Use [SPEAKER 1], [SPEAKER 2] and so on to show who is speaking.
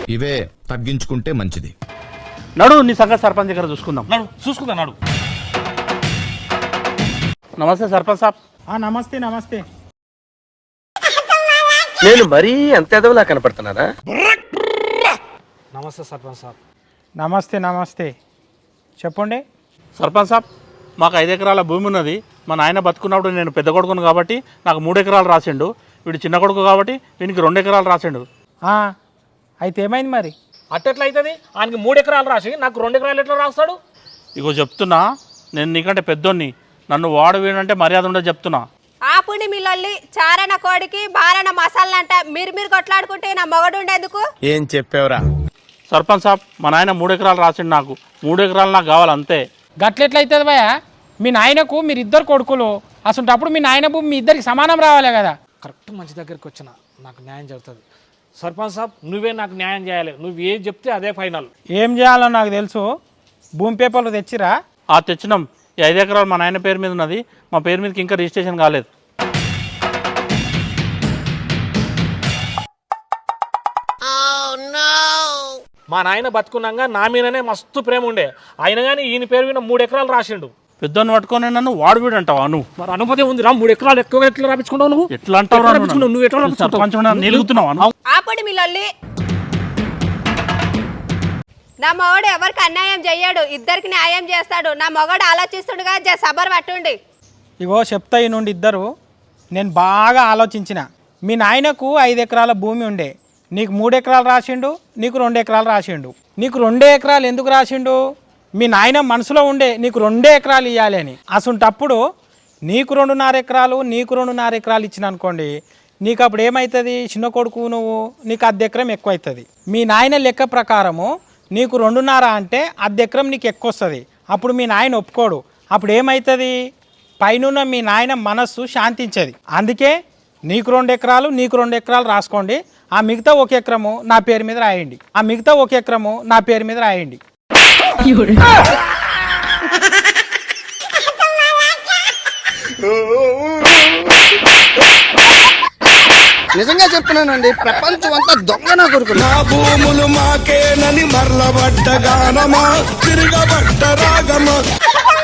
[SPEAKER 1] ఇవే తగ్గించుకుంటే మంచిది.
[SPEAKER 2] నడు నీ సంగతి సర్పంచ్ దగ్గర చూసుకుందాం.
[SPEAKER 3] నడు.
[SPEAKER 2] నమస్తే సర్పంచ్ సాబ్.
[SPEAKER 4] నమస్తే నమస్తే.
[SPEAKER 5] నేను మరీ అంత ఎదవలా కనపడుతున్నారా?
[SPEAKER 3] నమస్తే సర్పంచ్ సాబ్.
[SPEAKER 4] నమస్తే నమస్తే, చెప్పండి.
[SPEAKER 2] సర్పంచ్ సాబ్, మాకు 5 ఎకరాల భూమి ఉన్నది. మా నాయన బతుకున్నప్పుడు నేను పెద్ద కొడుకును కాబట్టి నాకు 3 ఎకరాలు రాసిండు. వీడు చిన్న కొడుకు కాబట్టి వీనికి 2 ఎకరాలు రాసిండు.
[SPEAKER 4] అయితే ఏమైంది మరి?
[SPEAKER 3] అట్టెట్లయితుంది? ఆయనకి 3 ఎకరాలు రాసి నాకు 2 ఎకరాలు ఎట్లా రాస్తాడు?
[SPEAKER 2] ఇగో చెప్తున్నా, నేను నీకంటే పెద్దోన్ని, నన్ను వాడు వీడంటే మర్యాద ఉండదు చెప్తున్నా.
[SPEAKER 6] ఆపుని మిల్లొల్లి చారణ కోడికి బారణ మసాలంట. మీరు కొట్లాడుకుంటే నా మొగడు ఉండేందుకు.
[SPEAKER 5] ఏం చెప్పావురా?
[SPEAKER 2] సర్పంచ్ సాబ్, మా నాయన 3 ఎకరాలు రాసిండు. నాకు 3 ఎకరాలు నాకు కావాలి అంతే.
[SPEAKER 4] గట్లెట్లయితుంది భయ? మీ నాయనకు మీరు 2 కొడుకులు, అసలు మీ నాయన భూమి మీ ఇద్దరికి సమానం రావాలి కదా.
[SPEAKER 3] కరెక్ట్ మంచి దగ్గరికి వచ్చిన నాకు న్యాయం జరుగుతుంది. సర్పంచ్ సాబ్, నువ్వే నాకు న్యాయం చేయాలి. నువ్వు ఏం చెప్తే అదే ఫైనల్.
[SPEAKER 4] ఏం చేయాలో నాకు తెలుసు. భూమి పేపర్లు తెచ్చిరా?
[SPEAKER 2] తెచ్చినాం. ఈ 5 ఎకరాలు మా నాయన పేరు మీద ఉన్నది. మా పేరు మీదకి ఇంకా రిజిస్ట్రేషన్ కాలేదు.
[SPEAKER 3] మా నాయన బతుకున్నాగా నా మీదనే మస్తు ప్రేమ ఉండే. అయినా కానీ ఈయన పేరు మీద 3 ఎకరాలు రాసిండు.
[SPEAKER 2] పెద్దోన్ని పట్టుకొని నన్ను వాడు వీడు అంటావా నువ్వు?
[SPEAKER 3] మరి అనుమతి ఉంది రా. 3 ఎకరాలు ఎక్కువ ఎట్లా రాపించుకుంటావు నువ్వు?
[SPEAKER 2] ఎట్లా అంటావు?
[SPEAKER 3] నువ్వు ఎట్లా
[SPEAKER 2] నిలుగుతున్నావు?
[SPEAKER 6] ఆపుడి మిల్లొల్లి. నా మొగడు ఎవరికి అన్యాయం చెయ్యడు, ఇద్దరికి న్యాయం చేస్తాడు. నా మొగడు ఆలోచిస్తుండగా సబర్ పట్టుండి.
[SPEAKER 4] ఇగో చెప్తా ఈ నుండి ఇద్దరు. నేను బాగా ఆలోచించిన. మీ నాయనకు 5 ఎకరాల భూమి ఉండే, నీకు 3 ఎకరాలు రాసిండు, నీకు 2 ఎకరాలు రాసిండు. నీకు 2 ఎకరాలు ఎందుకు రాసిండు? మీ నాయన మనసులో ఉండే నీకు 2 ఎకరాలు ఇవ్వాలి అని. అసంటప్పుడు నీకు 2.5 ఎకరాలు, నీకు 2.5 ఎకరాలు ఇచ్చిన అనుకోండి, నీకు అప్పుడు ఏమవుతుంది? చిన్న కొడుకు నువ్వు, నీకు 1/2 ఎకరం ఎక్కువ అవుతుంది. మీ నాయన లెక్క ప్రకారము నీకు 2.5 అంటే 1/2 ఎకరం నీకు ఎక్కువ వస్తుంది. అప్పుడు మీ నాయన ఒప్పుకోడు. అప్పుడు ఏమవుతుంది? పైన మీ నాయన మనస్సు శాంతించేది. అందుకే నీకు 2 ఎకరాలు, నీకు 2 ఎకరాలు రాసుకోండి. ఆ మిగతా 1 ఎకరము నా పేరు మీద రాయండి. ఆ మిగతా 1 ఎకరము నా పేరు మీద రాయండి.
[SPEAKER 5] నిజంగా చెప్తున్నానండి, ప్రపంచం అంతా దొంగ నా కొడుకు.
[SPEAKER 7] నా భూములు మాకేనని మరలబడ్డ గానమా, తిరగబడ్డ రాగమా.